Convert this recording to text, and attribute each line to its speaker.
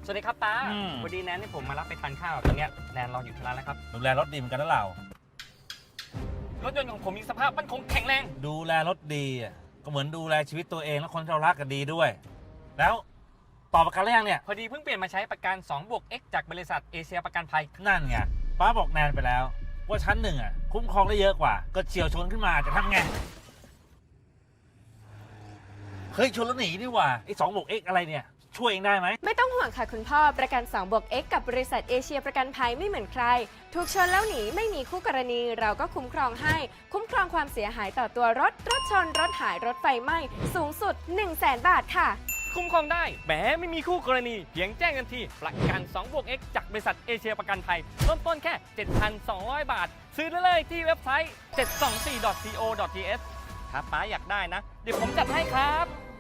Speaker 1: สวัสดีครับป้าวันนี้แนนให้ผมมารับไปทานข้าวตอนนี้แนนรออยู่ที่ร้านแล้วครับ
Speaker 2: ดูแลรถดีเหมือนกันนะเรา
Speaker 1: รถยนต์ของผมมีสภาพมั่นคงแข็งแรง
Speaker 2: ดูแลรถดีก็เหมือนดูแลชีวิตตัวเองและคนที่เรารักกันดีด้วยแล้วต่อประกันหรือยังเนี่ย
Speaker 1: พอดีเพิ่งเปลี่ยนมาใช้ประกัน 2+X จากบริษัทเอเชียประกันภัย
Speaker 2: นั่นไงป้าบอกแนนไปแล้วว่าชั้นหนึ่งคุ้มครองได้เยอะกว่าก็เฉียวชนขึ้นมาจะทำไงเฮ้ยชนแล้วหนีนี่หว่าไอ้2+X อะไรเนี่ยช่วยเองได้ไหม
Speaker 3: ไม่ต้องห่วงค่ะคุณพ่อประกัน 2+X กับบริษัทเอเชียประกันภัยไม่เหมือนใครถูกชนแล้วหนีไม่มีคู่กรณีเราก็คุ้มครองให้คุ้มครองความเสียหายต่อตัวรถชนรถหายรถไฟไหม้สูงสุด 100,000 บาทค่ะ
Speaker 1: คุ้มครองได้แหมไม่มีคู่กรณีเพียงแจ้งกันทีประกัน 2+X จากบริษัทเอเชียประกันภัยเริ่มต้นแค่ 7,200 บาทซื้อได้เลยที่เว็บไซต์ 724.co.th ถ้าป้าอยากได้นะเดี๋ยวผมจัดให้ครับ